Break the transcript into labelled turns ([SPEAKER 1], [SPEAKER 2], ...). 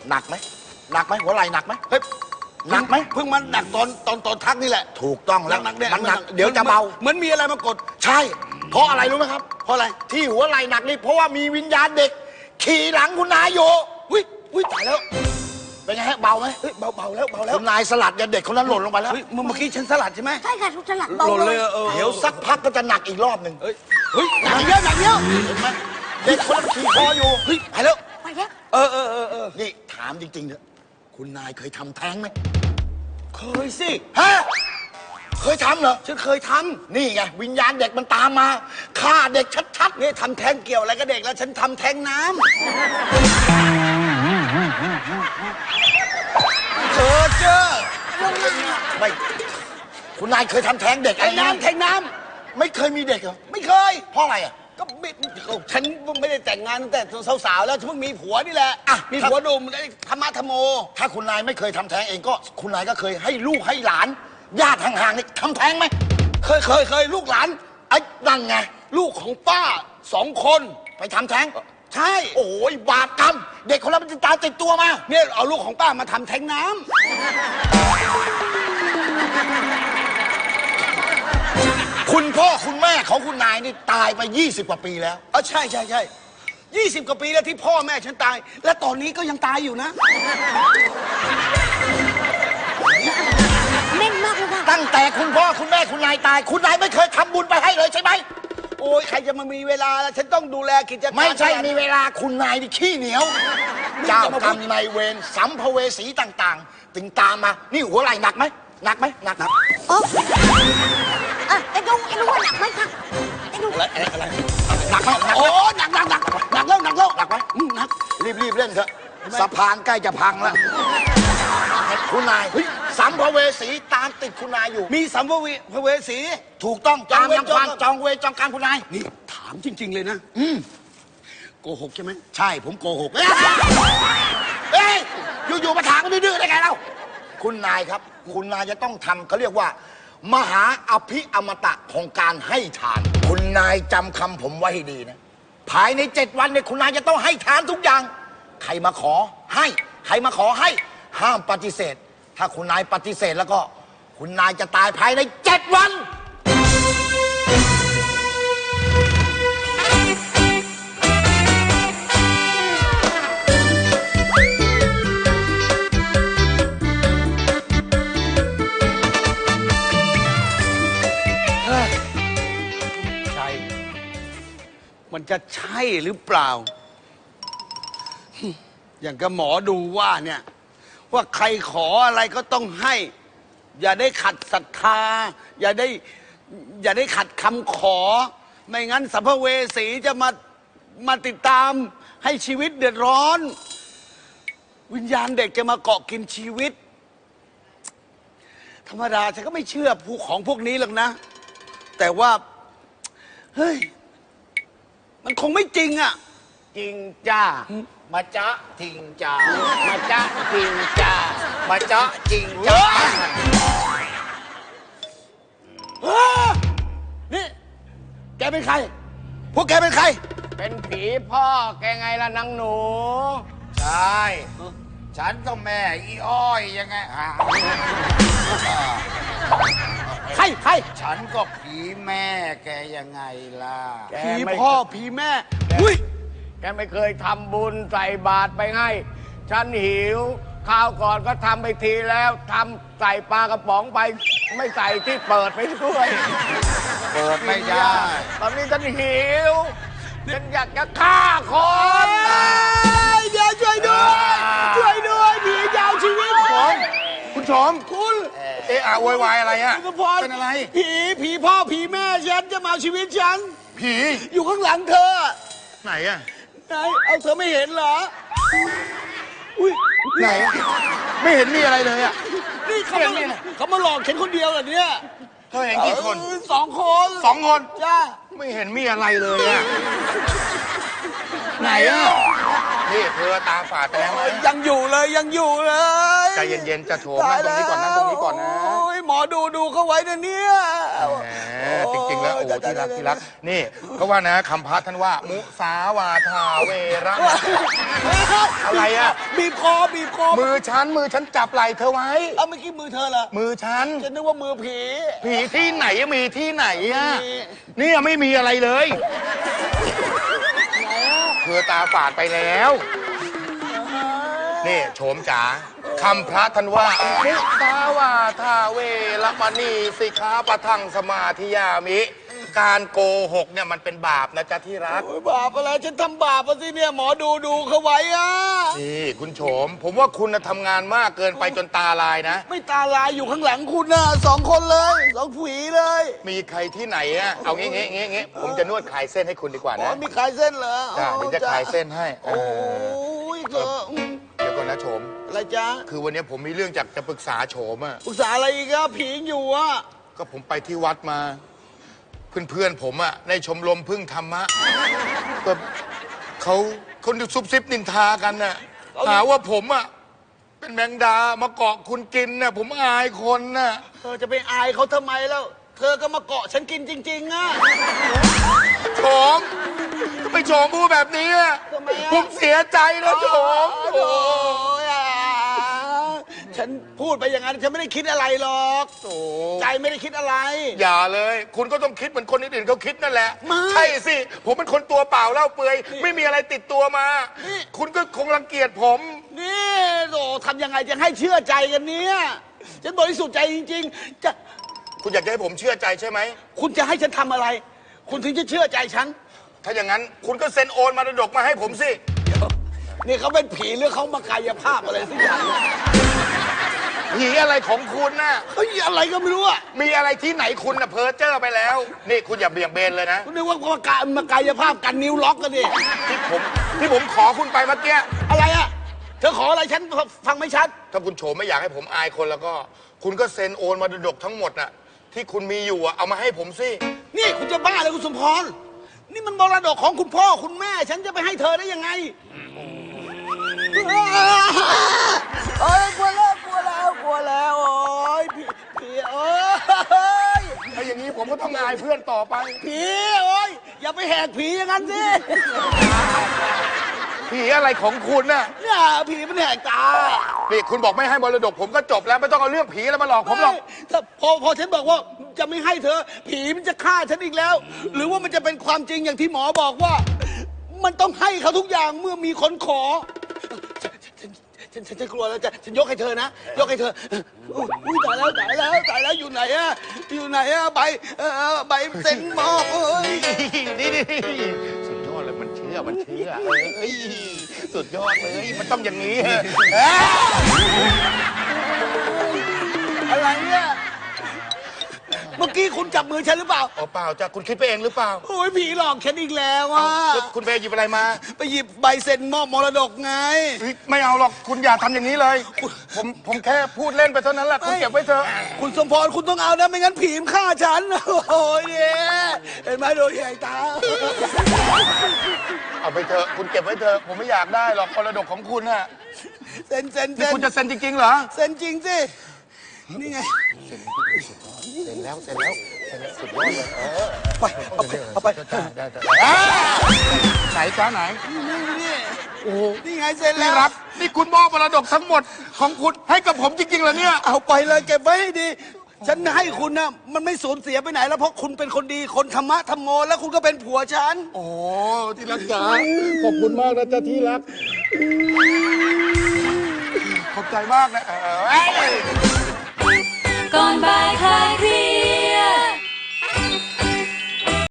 [SPEAKER 1] หนักไหมหัวไหล่หนักไหมเฮ้ยหนักไหม
[SPEAKER 2] เพิ่งมันหนักตอนทักนี่แหละ
[SPEAKER 1] ถูกต้องแล้ว
[SPEAKER 2] หนักเนี่ย
[SPEAKER 1] มันหนักเดี๋ยวจะเบา
[SPEAKER 2] เหมือนมีอะไรมากด
[SPEAKER 1] ใช่เพราะอะไรรู้ไหมครับ
[SPEAKER 2] เพราะอะไร
[SPEAKER 1] ที่หัวไหล่หนักนี่เพราะว่ามีวิญญาณเด็กขี่หลังคุณนายอยู่
[SPEAKER 2] อุ้ยตายแล้ว
[SPEAKER 1] เป็นไงฮะเบาไหม
[SPEAKER 2] เบาแล้ว
[SPEAKER 1] คุณนายสลัดเด็กคนนั้นหล่นลงไปแล้ว
[SPEAKER 2] เมื่อกี้ฉันสลัดใช่ไหม
[SPEAKER 3] ใช่ค่ะทุกสลัดเบาเลย
[SPEAKER 1] เดี๋ยวสักพักก็จะหนักอีกรอบหนึ่ง
[SPEAKER 2] หนักเยอะเ
[SPEAKER 1] ห็นไหมเด็กคนนั้นขี่คออยู่
[SPEAKER 2] ไปแล้ว
[SPEAKER 1] นี่ถามจริงๆเถอะคุณนายเคยทำแท้งไหม
[SPEAKER 2] เคยสิ
[SPEAKER 1] ฮะเคยทำเหรอ
[SPEAKER 2] ฉันเคยทำ
[SPEAKER 1] นี่ไงวิญญาณเด็กมันตามมาฆ่าเด็กชัดๆ
[SPEAKER 2] นี่ทำแท้งเกี่ยวอะไรกับเด็กแล้วฉันทำแท้งน้ำเจอ
[SPEAKER 1] ไม่คุณนายเคยทำแท้งเด็ก
[SPEAKER 2] แท้งน้ำ
[SPEAKER 1] ไม่เคยมีเด็กเหรอ
[SPEAKER 2] ไม่เคย
[SPEAKER 1] เพราะอะไรอ่ะ
[SPEAKER 2] ก็ฉันไม่ได้แต่งงานตั้งแต่สาวๆแล้วฉันเพิ่งมีผัวนี่แหละมีผัวหนุ่มธรรมะธรรมโม
[SPEAKER 1] ถ้าคุณนายไม่เคยทำแท้งเองก็คุณนายก็เคยให้ลูกให้หลานญาติห่างๆนี่ทำแท้งไหม
[SPEAKER 2] เคยลูกหลาน
[SPEAKER 1] ไอ้นั่นไง
[SPEAKER 2] ลูกของป้า2 คน
[SPEAKER 1] ไปทำแท้ง
[SPEAKER 2] ใช่
[SPEAKER 1] โอ้ยบาปกรรมเด็กคนนั้นมันจะตายติดตัวมา
[SPEAKER 2] เนี่ยเอาลูกของป้ามาทำแท้งน้ำ
[SPEAKER 1] คุณพ่อคุณแม่ของคุณนายนี่ตายไป20 กว่าปีแล้ว
[SPEAKER 2] ใช่20 กว่าปีแล้วที่พ่อแม่ฉันตายและตอนนี้ก็ยังตายอยู่นะ
[SPEAKER 3] แม่นมากเลยค่ะ
[SPEAKER 1] ตั้งแต่คุณพ่อคุณแม่คุณนายตายคุณนายไม่เคยทำบุญไปให้เลยใช่ไหม
[SPEAKER 2] โอ้ยใครจะมามีเวลาแล้วฉันต้องดูแลกิจการ
[SPEAKER 1] ไม่ใช่มีเวลาคุณนายนี่ขี้เหนียวเจ้ากรรมนายเวรสัมภเวสีต่างๆถึงตามมานี่หัวไหล่หนักไหมหนัก
[SPEAKER 3] ไอ้ดูว่าหนักไหมคะไอ้ดู
[SPEAKER 1] อะไรหนักไหม
[SPEAKER 2] โอ้หนักแล้วหนักไหม
[SPEAKER 1] หนักรีบเล่นเถอะสะพานใกล้จะพังแล้วคุณนายสัมภเวสีตามติดคุณนายอยู่
[SPEAKER 2] มีสัมภเวสี
[SPEAKER 1] ถูกต้องตามยังความจองเวรจองการคุณนาย
[SPEAKER 2] นี่ถามจริงๆเลยนะโกหกใช่ไหม
[SPEAKER 1] ใช่ผมโกหกเอ้ยอยู่มาถามกันดื้อๆได้ไงเล่าคุณนายครับคุณนายจะต้องทำเขาเรียกว่ามหาอภิอมตะของการให้ทานคุณนายจำคำผมไว้ให้ดีนะภายใน7 วันเนี่ยคุณนายจะต้องให้ทานทุกอย่างใครมาขอให้ใครมาขอให้ห้ามปฏิเสธถ้าคุณนายปฏิเสธแล้วก็คุณนายจะตายภายใน7 วัน
[SPEAKER 2] มันจะใช่หรือเปล่าอย่างกับหมอดูว่าเนี่ยว่าใครขออะไรก็ต้องให้อย่าได้ขัดศรัทธาอย่าได้ขัดคำขอไม่งั้นสัมภเวสีจะมาติดตามให้ชีวิตเดือดร้อนวิญญาณเด็กจะมาเกาะกินชีวิตธรรมดาฉันก็ไม่เชื่อของพวกนี้หรอกนะแต่ว่าเฮ้ยมันคงไม่จริงอ่ะ
[SPEAKER 1] จริงจ้ามาจ๊ะจริงจ้ามาจ๊ะจริงจ้ามาจ๊ะจริงจ้า
[SPEAKER 2] นี่แกเป็นใครพวกแกเป็นใคร
[SPEAKER 4] เป็นผีพ่อแกไงล่ะนางหนู
[SPEAKER 1] ใช่ฉันก็แม่อีอ้อยยังไง
[SPEAKER 2] ใคร
[SPEAKER 1] ฉันก็ผีแม่แกยังไงล่ะ
[SPEAKER 2] ผีพ่อผีแม่อุ้ย
[SPEAKER 4] แกไม่เคยทำบุญใส่บาตรไปให้ฉันหิวข้าวก่อนก็ทำไปทีแล้วทำใส่ปลากระป๋องไปไม่ใส่ที่เปิดไปด้วย
[SPEAKER 1] เปิดไม่ได้
[SPEAKER 4] ตอนนี้ฉันหิวฉันอยากจะฆ่าคน
[SPEAKER 2] เดี๋ยวช่วยด้วยผีจะเอาชีวิตผม
[SPEAKER 1] คุณชม
[SPEAKER 2] คุณ
[SPEAKER 1] โวยวายอะไรอ่ะ
[SPEAKER 2] เป็นอะไรผีพ่อผีแม่ฉันจะมาเอาชีวิตฉัน
[SPEAKER 1] ผี
[SPEAKER 2] อยู่ข้างหลังเธอ
[SPEAKER 1] ไหนอ่ะ
[SPEAKER 2] ไหนเอาเธอไม่เห็นเหรออุ้ย
[SPEAKER 1] ไหนไม่เห็นมีอะไรเลยอ่ะ
[SPEAKER 2] นี่เขามาหลอกฉันคนเดียวเหรอเนี่ย
[SPEAKER 1] เธอเห็นกี่คน
[SPEAKER 2] 2 คน
[SPEAKER 1] จ้าไม่เห็นมีอะไรเลยอ่ะไหนอ่ะนี่เธอตาฝาดไปแล้วไหม
[SPEAKER 2] ยังอยู่เลยยังอยู่เลย
[SPEAKER 1] ใจเย็นๆจะโฉมนั่งตรงนี้ก่อนนั่งตรงนี้ก่อนนะ
[SPEAKER 2] โอ้ยหมอดูเขาไว้นะเนี่ย
[SPEAKER 1] แหมจริงๆแล้วโอ้โหที่รักที่รักนี่เขาว่านะคำพระท่านว่า มุสาวาทาเวระอะไรอะ
[SPEAKER 2] บีบคอบีบคอ
[SPEAKER 1] มือฉันจับไหล่เธอไว้
[SPEAKER 2] เอาเมื่อกี้มือเธอเหรอ
[SPEAKER 1] มือฉัน
[SPEAKER 2] ฉันนึกว่ามือผี
[SPEAKER 1] ผีที่ไหนมีที่ไหนอะ
[SPEAKER 2] มี
[SPEAKER 1] เนี่ยไม่มีอะไรเลยเธอตาฝาดไปแล้ว นี่โฉมจ๋าคำพระท่านว่ามุสาวาทาเวระมณีสิกขาปะทังสมาธิยามิ การโกหกเนี่ยมันเป็นบาปนะจ๊ะที่รัก
[SPEAKER 2] โอ้ยบาปอะไรฉันทำบาปมาสิเนี่ยหมอดูเขาไว้อะ
[SPEAKER 1] นี่คุณโฉม ผมว่าคุณน่ะทำงานมากเกินไปจนตาลายนะ
[SPEAKER 2] ไม่ตาลายอยู่ข้างหลังคุณนะ2 คนเลย2 ผีเลย
[SPEAKER 1] มีใครที่ไหนอะเอางี้ผมจะนวดคลายเส้นให้คุณดีกว่า
[SPEAKER 2] อ๋อ
[SPEAKER 1] นะ
[SPEAKER 2] มีขายเส้นเหรอ
[SPEAKER 1] จ้าเดี๋ยวจะคลายเส้นให้
[SPEAKER 2] โอ้ยเธอ
[SPEAKER 1] เดี๋ยวก่อนนะโฉม
[SPEAKER 2] อะไรจ๊ะ
[SPEAKER 1] คือวันนี้ผมมีเรื่องจากจะปรึกษาโฉมอะ
[SPEAKER 2] ปรึกษาอะไรอีกอะผียังอยู่อะ
[SPEAKER 1] ก็ผมไปที่วัดมา เพื่อนผมอะในชมรมพึ่งธรรมะก็เขาซุบซิบนินทากันน่ะหาว่าผมอะเป็นแมงดามาเกาะคุณกินน่ะผมอายคนน่ะ
[SPEAKER 2] เธอจะไปอายเขาทำไมแล้ว เธอก็มาเกาะฉันกินจริงๆอะ
[SPEAKER 1] โฉมก็ไปโฉมพูดแบบนี้อะ
[SPEAKER 2] ทำไมอะ
[SPEAKER 1] ผมเสียใจนะโฉม
[SPEAKER 2] โอ้ยอ่ะฉันพูดไปอย่างนั้นฉันไม่ได้คิดอะไรหรอก
[SPEAKER 1] โอ้
[SPEAKER 2] ใจไม่ได้คิดอะไร
[SPEAKER 1] อย่าเลย คุณก็ต้องคิดเหมือนคนอื่นๆเขาคิดนั่นแหละ
[SPEAKER 2] ไม่
[SPEAKER 1] ใช่สิ ผมเป็นคนตัวเปล่าเล่าเปลือย ไม่มีอะไรติดตัวมา
[SPEAKER 2] นี่
[SPEAKER 1] คุณก็คงรังเกียจผม
[SPEAKER 2] นี่โอ้ทำยังไงจะให้เชื่อใจกันเนี่ยฉันบริสุทธิ์ใจจริงๆ จะ
[SPEAKER 1] คุณอยากจะให้ผมเชื่อใจใช่ไหม
[SPEAKER 2] คุณจะให้ฉันทำอะไร คุณถึงจะเชื่อใจฉัน
[SPEAKER 1] ถ้าอย่างนั้นคุณก็เซ็นโอนมรดกมาให้ผมสิ
[SPEAKER 2] นี่เขาเป็นผีหรือเขามากายภาพอะไรสักอย่างเนี่ย
[SPEAKER 1] ผีอะไรของคุณน่ะ
[SPEAKER 2] เฮ้ยอะไรก็ไม่รู้อะ
[SPEAKER 1] มีอะไรที่ไหนคุณน่ะเพ้อเจ้อไปแล้ว นี่คุณอย่าเบี่ยงเบนเลยนะ
[SPEAKER 2] คุณนึกว่ามากายภาพกันนิ้วล็อกกันดิ
[SPEAKER 1] ที่ผมขอคุณไปเมื่อกี้
[SPEAKER 2] อะไรอะเธอขออะไรฉันฟังไม่ชัด
[SPEAKER 1] ถ้าคุณโฉมไม่อยากให้ผมอายคนแล้วก็ คุณก็เซ็นโอนมรดกทั้งหมดน่ะ ที่คุณมีอยู่อะเอามาให้ผมสิ
[SPEAKER 2] นี่คุณจะบ้าเลยคุณสมพร นี่มันมรดกของคุณพ่อคุณแม่ ฉันจะไปให้เธอได้ยังไงโอ้ยกลัวแล้วโอ้ยผีโอ้ย
[SPEAKER 1] ถ้าอย่างนี้ผมก็ต้องอายเพื่อนต่อไป
[SPEAKER 2] ผีโอ้ยอย่าไปแหกผีอย่างนั้นสิ
[SPEAKER 1] ผีอะไรของคุณน่ะ
[SPEAKER 2] เนี่ยผีมันแหกตา
[SPEAKER 1] นี่คุณบอกไม่ให้มรดกผมก็จบแล้วไม่ต้องเอาเรื่องผีแล้วมาหลอกผมหรอก
[SPEAKER 2] ถ้าพอฉันบอกว่าจะไม่ให้เธอ ผีมันจะฆ่าฉันอีกแล้ว หรือว่ามันจะเป็นความจริงอย่างที่หมอบอกว่า มันต้องให้เขาทุกอย่างเมื่อมีคนขอ ฉันกลัวแล้วฉันยกให้เธอนะ ยกให้เธออุ้ยตายแล้วอยู่ไหนอะใบใบเซ็นมอบเอ้ย
[SPEAKER 1] นี่สุดยอดเลยมันเชื่อเอ้ยสุดยอดเลยมันต้องอย่างนี้
[SPEAKER 2] อะไรเนี่ยเมื่อกี้คุณจับมือฉันหรือเปล่า
[SPEAKER 1] อ๋อเปล่าจ้ะคุณคิดไปเองหรือเปล่า
[SPEAKER 2] โอ้ยผีหลอกฉันอีกแล้วอ่ะ
[SPEAKER 1] แล้วคุณไปหยิบอะไรมา
[SPEAKER 2] ไปหยิบใบเซ็นมอบมรดกไง
[SPEAKER 1] เฮ้ยไม่เอาหรอกคุณอย่าทำอย่างนี้เลย ผมแค่พูดเล่นไปเท่านั้นแหละคุณเก็บไว้เถอะ
[SPEAKER 2] คุณสมพรคุณต้องเอานะไม่งั้นผีมันฆ่าฉัน โอ้ยเนี่ยเห็นไหมโดนใหญ่ตา
[SPEAKER 1] เอาไปเถอะคุณเก็บไว้เถอะผมไม่อยากได้หรอกมรดกของคุณน่ะ
[SPEAKER 2] เซ็น
[SPEAKER 1] นี่คุณจะเซ็นจริงๆเหรอ
[SPEAKER 2] เซ็นจริงสินี่ไง
[SPEAKER 1] เซ็นแล้วสุดยอดเลย
[SPEAKER 2] ไปเอาไป
[SPEAKER 1] ได้ไหนจ้าไหน
[SPEAKER 2] นี่
[SPEAKER 1] โอ้โห
[SPEAKER 2] นี่ไงเซ็นแล้
[SPEAKER 1] นี่
[SPEAKER 2] ว
[SPEAKER 1] รับนี่คุณมอบมรดกทั้งหมดของคุณให้กับผมจริงๆเหรอเนี่ย
[SPEAKER 2] เอาไปเลยเก็บไว้ให้ดี ฉันให้คุณนะมันไม่สูญเสียไปไหนแล้วเพราะคุณเป็นคนดีคนธรรมะธรรมโมแล้วคุณก็เป็นผัวฉัน
[SPEAKER 1] โอ้ที่รักจ๋าขอบคุณมากนะจ๊ะที่รักขอบใจมากนะ
[SPEAKER 5] ก่อนบ่า